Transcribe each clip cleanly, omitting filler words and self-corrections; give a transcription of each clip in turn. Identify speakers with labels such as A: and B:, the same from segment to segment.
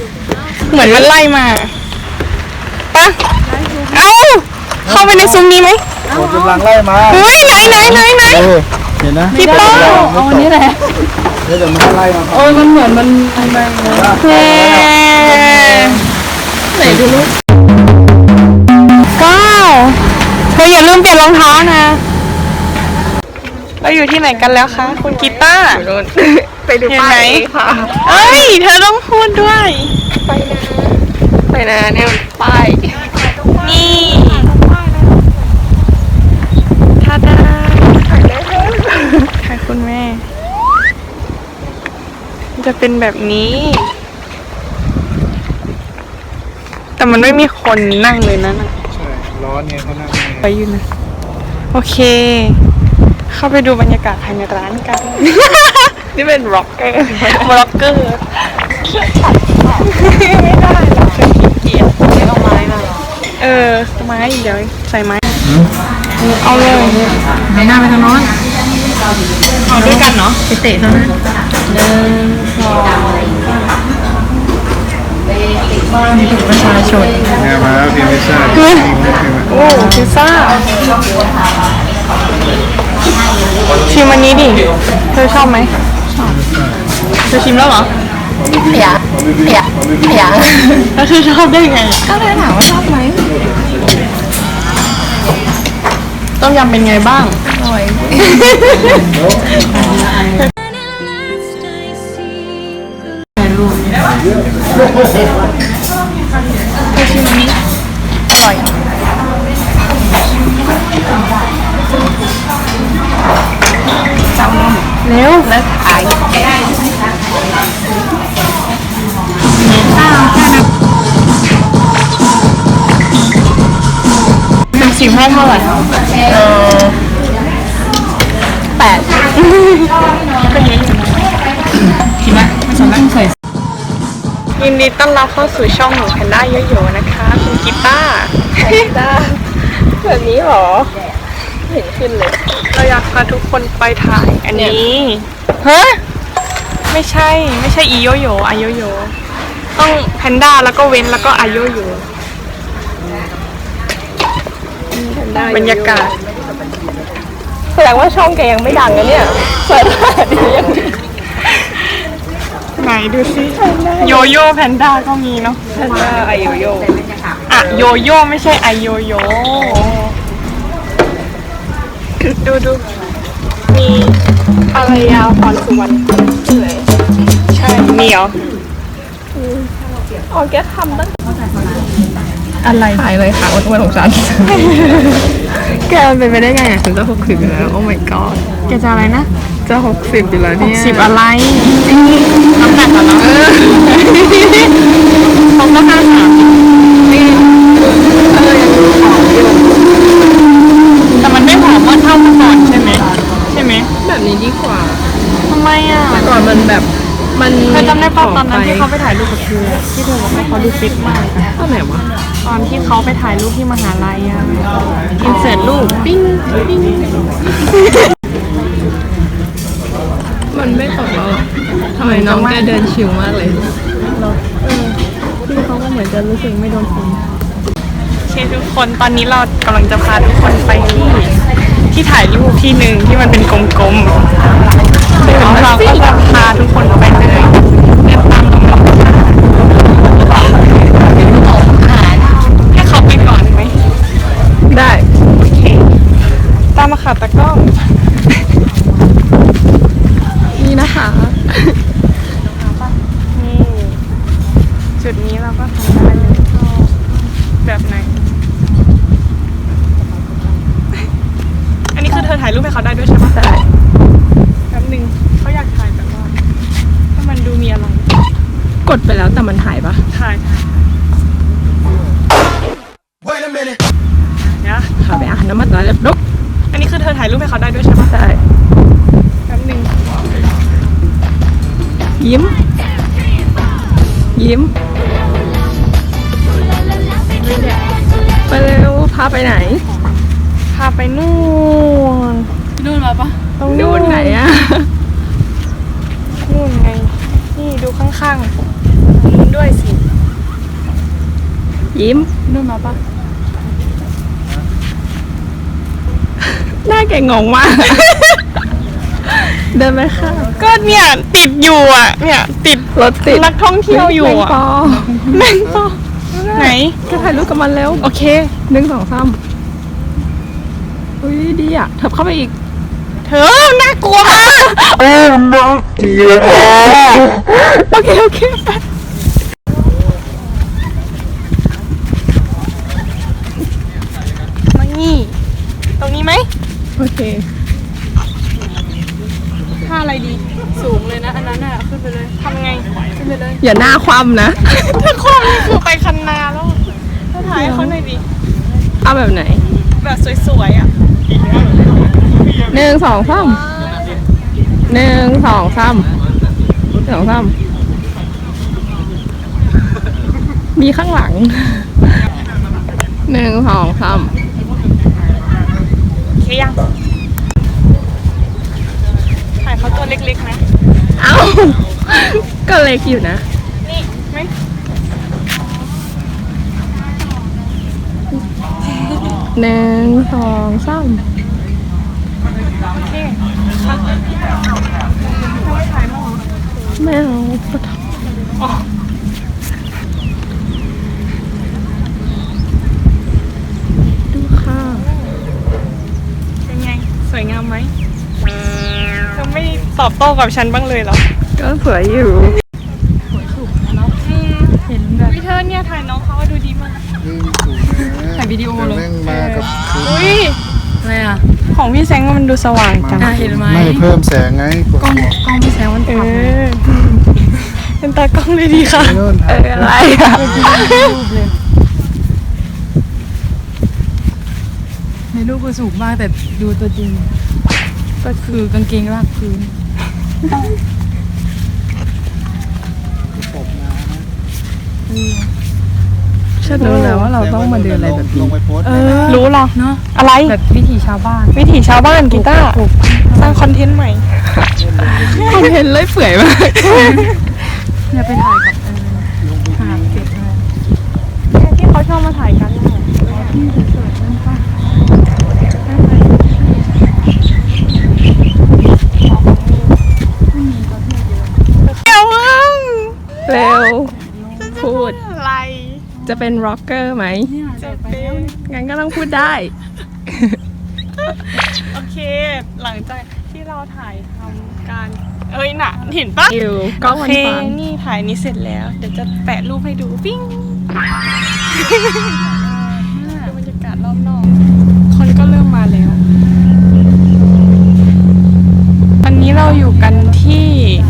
A: เหมือนมันไล่มาปะเอ้าเข้าไปในซุ้มนี้ไหม
B: คนกำลังไล่มา
A: เฮ้ยไหน
B: เห็นนะ
A: พี่ป้าเอาอันนี้แหละ
B: เดี๋ยวมันไล่มา
A: โอ้ยมันเหมือนมันแม่ไหนดูลูกก้าวเธออย่าลืมเปลี่ยนรองเท้านะเราอยู่ที่ไหนกันแล้วคะคุณกีตาร์ไปดูป้ายค่ะเอ้ยเธอต้องพูดด้วยไปนะเนี่ยป้ายนี่ทาดาค่ะคุณแม่จะเป็นแบบนี้ แต่มันไม่มีคนนั่งเลยนะ
B: ใช่ร้อนเนี่ยเขานั่ง
A: ไปอยู่นะโอเคเข้าไปดูบรรยากาศภายในร้านกัน นี่เป็นร็อกเกอร์ไม่ได้หรอกฉันขี้เกียจเอาไม้มาไม้เดี๋ยวใส่ไม้เอาเลยหน้าไปทางโน้นเอาด้วยกันเนาะไปเตะเท่านั้นนี่ถึงประชาชน
B: เนี่ยมาแล้วพิมพ์พิซซ่า
A: โอ้พิซซ่าชิมอันนี้ดิเธอชอบไหมชอบเธอชิมแล้วเหรออยากแล้วเธอชอบได้ไงก็เลยถามว่าชอบไหมต้มยำเป็นไงบ้างอร่อยชิมนี้อร่อยเจ้านมเร็วแล้วขายเป็นสิบให้เท่าไหร่8ก็เยอะคิดไหมไม่สนแล้วใส่ยินดีต้อนรับเข้าสู่ช่องหนูแพนด้าเยอะๆนะคะคุณกีตาร์แบบนี้หรอเห็นขึ้นเลยเราอยากพาทุกคนไปถ่ายอันนี้ฮะไม่ใช่อีโยโย่อาโยโย่ต้องแพนด้าแล้วก็เว้นแล้วก็อาโยโย่บรรยากาศแสดงว่าช่องแกยังไม่ดังนะเนี่ยเปิดดียังไหนดูสิโยโย่แพนด้าก็มีเนาะแพนด้าไอโยโย่อะโยโย่ไม่ใช่ไอโยโย่ดูมีอะไรยาวพรสุวรรณใช่มีเหรออ๋อแกทำตั้งอะไรถ่ายเลยค่ะอ้วนๆของฉันแกมันเป็นไปได้ไงฉันจะ60อยู่แล้วโอ้ my god แกจะอะไรนะจะ60อยู่แล้วเนี่ย60อะไรน้ำหนักเหรอเขาก็53นี่แต่มันไม่ผอมเท่าเมื่อก่อนใช่ไหมแบบนี้ดีกว่าทำไมอ่ะก่อนมันแบบมันเธอจำได้ป่ะตอนนั้นที่เขาไปถ่ายรูปกับเธอที่เธอบอกให้เขาดูฟิตมากตอนไหนวะตอนที่เขาไปถ่ายรูปที่มหาลัยอ่ะอินเสิร์ตรูปปิ้งมันไม่ตกแล้วทำไมน้องแกเดินชิวมากเลยพี่เขาก็เหมือนจะรู้สึกไม่โดนฝุ่นโอเคทุกคนตอนนี้เรากำลังจะพาทุกคนไปที่ถ่ายรูปที่หนึ่งที่มันเป็นกลมๆแล้วเราก็จะพาทุกคนไปเลยเดินตามตรงนี้ให้เขาไปก่อนไหมได้โอเคตามมาค่ะตะก้องนี่นะคะนี่จุดนี้เราก็ทำได้เลยแบบไหนอันนี้คือเธอถ่ายรูปให้เขาได้ด้วยใช่ไหมได้แป๊บนึงเขาอยากถ่ายแบบว่าถ้ามันดูมีอะไรกดไปแล้วแต่มันถ่ายปะถ่ายเนี่ยขาไปอ่านน้ำมันแล้วลุกอันนี้คือเธอถ่ายรูปให้เขาได้ด้วยใช่ปะได้แป๊บนึงยิ้มไปเร็วพาไปไหนพาไปนู่นมาปะตรงนู่นไหนอะนู่นไงนี่ดูข้างๆนู่นด้วยสิ
C: ยิ้มเดินมาปะหน้าแกงงมาก เดินไปค่ะ
A: ก็เนี่ยติดอยู่อ่ะ เนี่ยติด
C: รถติด
A: นักท่องเที่ยวอยู่อ่ะ
C: แมงปอ
A: ไหน
C: แกถ่ายรูปกับมันเร็ว
A: โอเค
C: 1 2 3อุ้ยดีอ่ะเถิบเข้าไปอีก
A: เธอน่ากลัวมาก
C: โอเคโอเคไป
A: มานี่ตรงนี้ไหม
C: โอเค
A: ท่าอะไรดี สูงเลยนะ อันนั้นอ่ะ ขึ้นไปเลยทำไง ขึ้นไปเลย
C: อย่าหน้าคว่ำนะ
A: ถ้าความนี่คือไปคันนาแล้วถ้าถ่ายให้เขาหน่อยดิ
C: เอาแบบไหน
A: แบบสวยๆอ่ะ
C: 1 2 3 1 2 3 2 3มีข้างหลัง 1 2 3
A: โอเคยัง ถ่ายเขาตัวเล็กๆนะ
C: เอ้า ก็เล็กอยู่นะ
A: นี่ไหม
C: 1 2 3
A: โอเคค่ะไม่ถ่ายมั้ง
C: ไม่เอาปะท
A: อ๋อ
C: ดูค่ะ
A: เป็นไง สวยงามไหมเธอไม่ตอบโต้กับฉันบ้างเลยเหรอ
C: ก็สวยอยู่
A: เห็นแบบพี่เธอเนี่ยถ่ายน้องเขาดูดีมาก
B: นี่สูงนะ
A: ถ่ายวิดีโอเลย
B: แม่งมากับ
A: อุ้ย
C: อะไรอ่ะ
A: ของพี่แซงมันดูสว่างจัง
C: เห็นไหม
B: ไม่เพิ่มแสงไงกดหัว
C: กล้องพี่แสงมัน
A: เอ
C: ต่ำ
A: อเป็นตากล้องเลยดีค่ะ
B: ไปโน่นถ่าย
C: อะไรอ่ะ
D: ในรูปก็สูงมากแต่ดูตัวจริง ก็คือกางเกงลากพื้น
B: ตบน้ำนะ
C: ฉันรู้แล้วว่าเราต้องมาเดินอะไรแบบ
B: ล
C: นี้
B: งไปโพสต์
A: รู้หรอ
D: เนาะ
A: อะไร
D: แบบวิถีชาวบ้าน
A: วิถีชาวบ้านกีตาร์สร้างคอนเทนต์ใหม่
C: คอนเทนต์เลยเปื่อยมาก
D: เนี่ยไปถ่ายกับหาเก็บอะไร
A: ที่เขาชอบมาถ่ายกันน่ะเดี๋ยวมึง
C: เร็ว พูด
A: อะไร
C: จะเป็นร็อกเกอร์ไหม
A: จะเป็น
C: งั้นก็ต้องพูดได้
A: โอเค หลังจากที่เราถ่ายทำการ เอ้ยน่ะ เห็นปะ
C: อยู่กล้อง
A: โอ
C: มัน
A: เค
C: ฟัง
A: นี่ถ่ายนี้เสร็จแล้ว เดี๋ยวจะแปะรูปให้ดู ปิ้งดูบรรยากาศรอบนอก คนก็เริ่มมาแล้ว วันนี้เราอยู่กันที่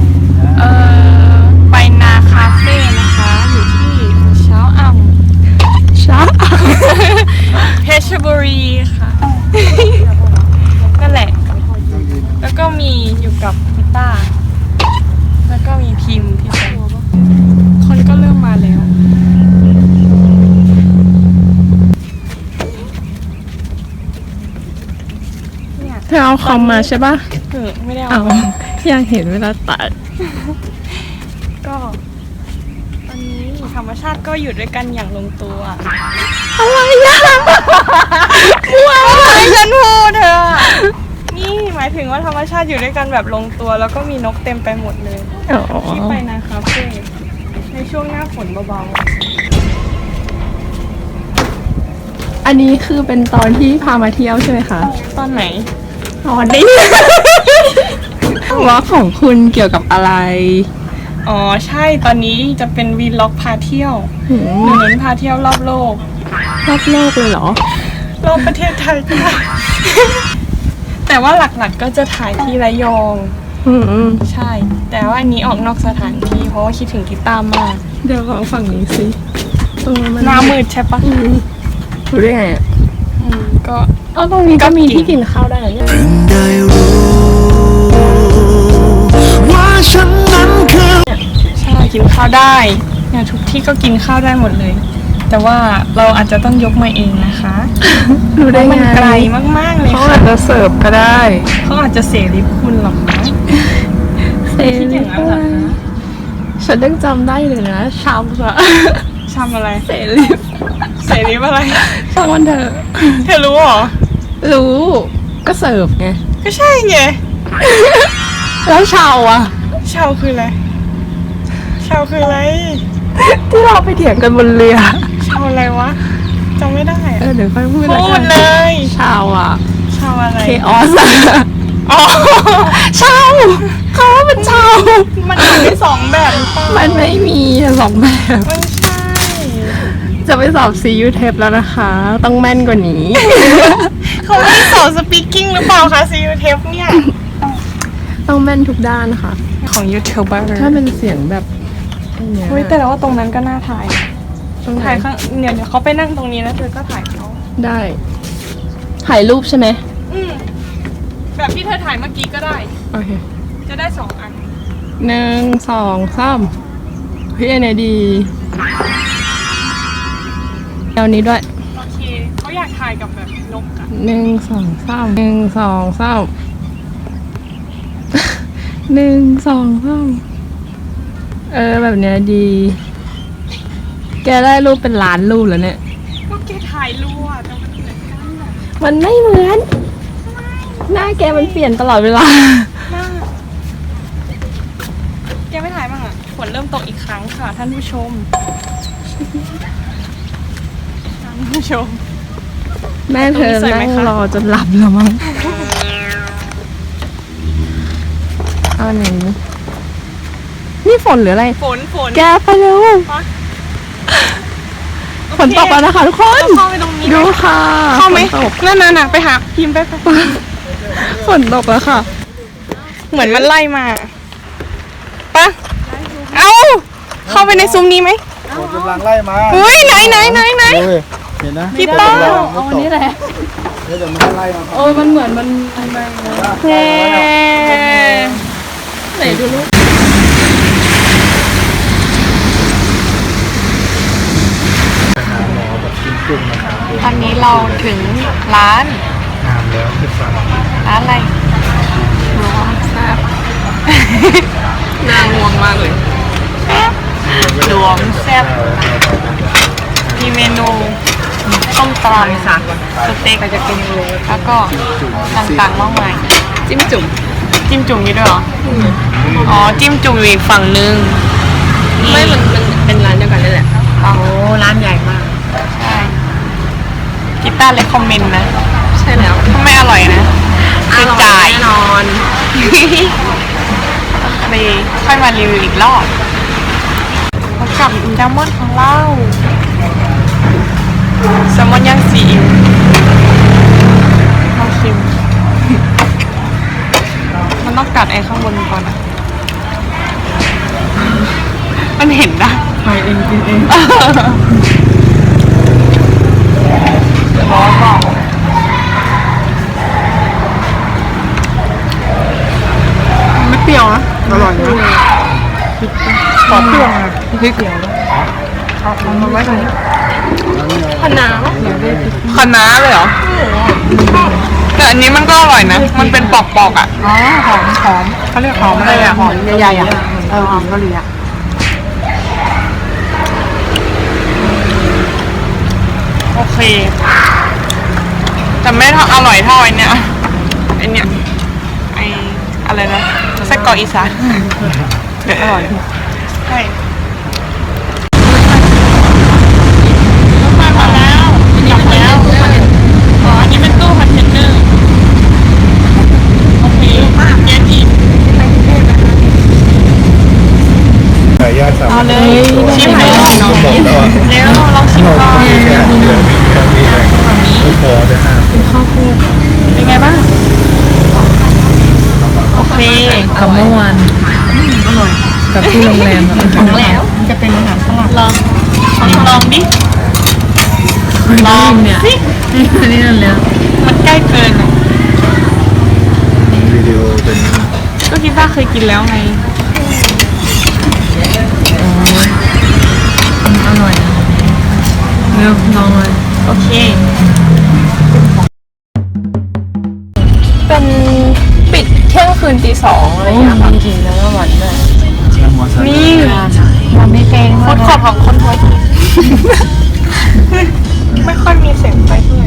A: ไปนาคาเฟ่นะคะ อยู่ที่เช้าอ่ำ
C: ช้า
A: เพชรบุรีค่ะ นั่นแหละ แล้วก็มีอยู่กับพิต้า แล้วก็มีพิมพ์พี่แซงคนก็เริ่มมาแล้ว เนี่ย
C: เธอเอาคอมมาใช่ปะ
A: ไม่ได้
C: เอา
A: เอามา
C: อยากเห็นเวลาตัด
A: ก็ตอนนี้ธรรมชาติก็อยู่ด้วยกันอย่างลงตัว
C: อะไรอ่ะ
A: อะไรฉันพูดเธอ นี่หมายถึงว่าธรรมชาติอยู่ด้วยกันแบบลงตัว แล้วก็มีนกเต็มไปหมดเลย
C: อ๋อ
A: ที่ไปนาคาเฟ่ในช่วงหน้าฝนเบา
C: อันนี้คือเป็นตอนที่พามาเที่ยวใช่ไหมคะ
A: ๆ ตอนไหน
C: ตอนนี้ ว่าของคุณเกี่ยวกับอะไร
A: อ๋อใช่ตอนนี้จะเป็นวีล็อกพาเที่ยว
C: หื
A: หนู
C: ม
A: เน้นพาเที่ยวรอบโลก
C: รอบโลกเลยเหรอ
A: รอบประเทศไทยก็ได้ แต่ว่าหลักๆก็จะถ่ายที่ระยอง
C: อืม
A: ใช่ แต่ว่าอันนี้ออกนอกสถานที่เพราะว่าคิดถึงกีตาร์มาก
C: เดี๋ยวลองฝั่งนี้สิตรงนั้นมัน
A: หน้ามืดใช่ปะ
C: รู้ได้ไงอ่ะ
A: ก็
C: อ๋อตรงนี้ก็มีที่กินข้าวได้เหรอเนี่ย
E: ได้รู้ว่าฉันนั้นคือ
A: ใช่กินข้าวได้เนี่ยทุกที่ก็กินข้าวได้หมดเลย แต่ว่าเราอาจจะต้องยกมาเองนะคะ
C: รู้ได้
A: เพราะ
C: ไง
A: มันไกลมากๆเลย
C: เขา
A: ค่ะ
C: อาจจะเสิร์ฟก็ได้
A: เขาอาจจะเสรีคุณหรอกนะ
C: เซ
A: คิดอย่างนั้นเหรอคะ
C: ฉันยังจำได้เลยนะชามอะ
A: ชำอะไร
C: เสรี
A: เสรีอะไร
C: ช่างมันเถอะ
A: เธอรู้เหรอ
C: รู้ก็เสิร์ฟไง
A: ก็ใช่ไง
C: แล้วชาวอะ
A: ชาวคืออะไรชาวคืออะไร
C: ที่เราไปเถียงกันบนเรือ
A: ชาวอะไรวะจำไม่ได้อะ
C: เดี๋ยวค่อยพูด
A: พูดเลย
C: ชาวอะ
A: ชาวอะไร
C: เคออส
A: อ๋อ
C: ชาวเขาว่าเป็นชาว
A: มันอยู่ในสองแบบหรือเปล่า
C: มันไม่มีสองแบบ
A: ไม่ใช่
C: จะไปสอบ CU Tep แล้วนะคะ ต้องแม่นกว่านี้
A: เขาไม่ได้สอนสปีกกิ้งหรือเปล่าคะซีอูเทปเนี่ย
C: ต้องแม่นทุกด้านค่ะ
A: ของยูทูบเบอร์
C: ถ้าเป็นเสียงแบบไอ้เนี่ย
A: เฮ้ยแต่ว่าตรงนั้นก็น่าถ่าย
C: ต้อง
A: ถ่ายข้างเดี๋ยวเขาไปนั่งตรงนี้แล้วเธอก็ถ่ายเขา
C: ได้ ถ่ายรูปใช่ไหม
A: แบบที่เธอถ่ายเมื่อกี้ก็ได้
C: โอเค
A: จะได้2 อัน
C: 1 2 3เฮ้ยอันไหนดีเอานี้ด้วย
A: โอเคเขาอยากถ่ายกับแบบนกอะ
C: 1 2 3 1 2 3 1 2 3แบบเนี้ยดี แกได้รูปเป็นล้านรูปแล้วเนี่ย
A: ก็แกถ่ายรูปอะแต่มันเหมือนกันอะ
C: มันไม่เหมือน หน้าแกมันเปลี่ยนตลอดเวลา
A: หน้าแกไม่ถ่ายบ้างอะฝนเริ่มตกอีกครั้งค่ะท่านผู้ชม ท่านผู้ชม
C: แม่เธอ
A: ตรงนี้สวยไหม
C: นั่ง
A: คะ
C: รอจนหลับแล้วมั้งเอาไหนนี่ฝนหรืออะไร
A: ฝน
C: แกไปเร็ว ฝนตกแล้วนะคะทุกคน
A: เราเข้าไปตรงนี้ไหม
C: ดูค่ะ
A: เข้าไหม
C: ฝนตก
A: นั่นน่ะไปหาพิมพ์ไป
C: ฝนตกแล้วค่ะ
A: เหมือนมันไล่มาปะเอาเข้าไปในซุ้มนี้ไหม
B: ผมกำลังไล่มา
A: เฮ้ยไหน
B: เฮ้ยเห็นนะ
A: พี่ป้า
C: เอาอันนี้แหละ
B: เดี๋ยวมันไล่มา
C: โอ้ยมันเหมือนมัน
A: เฮ้
C: ไหนดูลูก
B: ไปหาหมอแบบกินจุ่มนะครับ
A: ตอนนี้เราถึงร้าน
B: งามแล้วที่ฟัง
A: ร้านอะไร
C: แซ่บน่าง่วงมากเลย
A: หลวงแซ่บมีเมนูต้มตำสเต็กแล้วก็ต่างๆมากมาย
C: จิ้มจุ่ม
A: จิ้มจุ่มมีด้วยเหรออ๋อจิ้มจุ่มอยู่อีกฝั่งนึง
C: ไม่มันเป็นร้านเดียวกันนั่นแหละ
A: โอ้ร้านใหญ่มากใช่กีตาร์เลยคอมเมนต์นะ
C: ใช่แล้ว
A: ถ้าไม่อร่อยนะคือจ่าย
C: แน่นอน
A: ไปค่อยมารีวิวอีกรอบแล้วกับแซลมอนของเราแซลมอนย่างซีอิ๊วลองชิมมันต้องกัดไอ้ข้างบนก่อนอะมันเห็นนะไปเองกินเองร้อนเปล่าไม่เปรี้ยวนะอร่อยนะขอเปรี้ยวนะพริกเปรี้ยวเอามาไว้ตรงนี้
C: คะน้า
A: คะน้าเลยเหรอแต่อันนี้มันก็อร่อยนะ มันเป็นปอกๆอ่ะอ๋อหอมเขาเรียกหอมอะไรอ่ะหอมใหญ่ๆอ่ะหอมเกาหลีอ่ะโอเคแต่ไม่อร่อยเท่าไอเนี้ยไออะไรนะไส้กรอกอีสานเดี๋ยวอร่อยใช่รถมาแล้วกลับแล้วอ๋ออันนี้เป็นตู้คอนเทนเนอร์โอเคเย็นอีก
B: ไก่ย่างสาม
A: เอาเลยชิมให้ลอง
B: บอกแล้ว
A: เร็วลองชิมก่อน
B: มีแค่มีแรงไม่พอจะห้าม
A: เป็นไงบ้างโอเค
C: กับเมื่อวานอร่อยกับที่โรงแรมของแล้วจะเป็นอาหารฝรั่ง
A: ลองดิลองเนี่ย
C: นี่นั่นแล้ว
A: มันใกล้เกินอ่ะ
B: วิดีโอเป็น
A: ก็คิดว่าเคยกินแล้วไง
C: อร่อยเริ่มลองเลย
A: โอเค
C: เป็นปิดเที่ยงคืนตี 2อะไรอย่างเงี้ยค่ะจริงแล้ววันด้วย
B: น้ำมัน
A: นี่มันไม่แกงโคตรขอบของคนหัวหินไม่ค่อยมีเสียงไปด้วย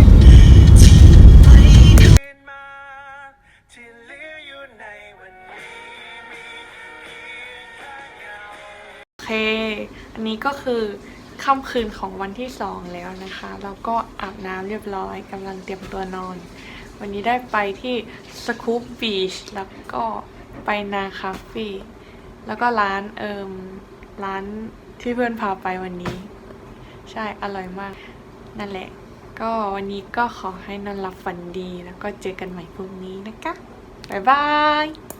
A: โอเค อันนี้ก็คือค่ำคืนของวันที่2แล้วนะคะแล้วก็อาบน้ำเรียบร้อยกำลังเตรียมตัวนอน วันนี้ได้ไปที่สกู๊ปบีชแล้วก็ไปนาคาเฟ่แล้วก็ร้านที่เพื่อนพาไปวันนี้ ใช่อร่อยมาก นั่นแหละ ก็วันนี้ก็ขอให้นอนหลับฝันดีแล้วก็เจอกันใหม่พรุ่งนี้นะคะ บ๊ายบาย